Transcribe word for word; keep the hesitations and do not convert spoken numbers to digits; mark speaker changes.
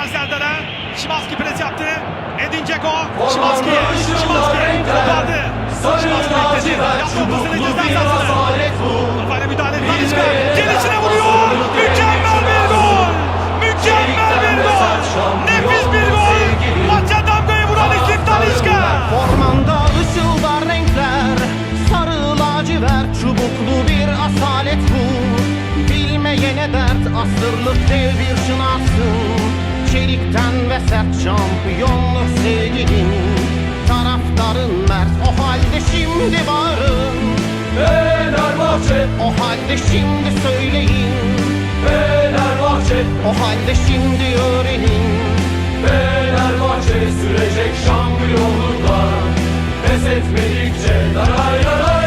Speaker 1: Hakan Serdar'a. Szymański pres yaptı. Edin Dzeko. Szymański. Szymański kopardı. Szymański bekledi. Yaptı ortasını ceza sahasına. Kafayla müdahale etti. Talisca. Gelişine vuruyor. Mükemmel bir gol. Mükemmel bir gol. Nefis bir gol. Maça damgayı vuran isim Talisca.
Speaker 2: Ormanda ışıldar renkler, sarı lacivert, çubuklu bir asalet bu. Bilmeyene dert, asırlık dev bir şınarsın. Çelikten ve sert şampiyonluk sevgilin. Taraftarın mert, o halde şimdi bağırın.
Speaker 3: Fenerbahçe,
Speaker 2: O halde şimdi söyleyin.
Speaker 3: Fenerbahçe,
Speaker 2: O halde şimdi öğrenin.
Speaker 3: Fenerbahçe sürecek şampiyonluklar. Pes etmedikçe daray daray.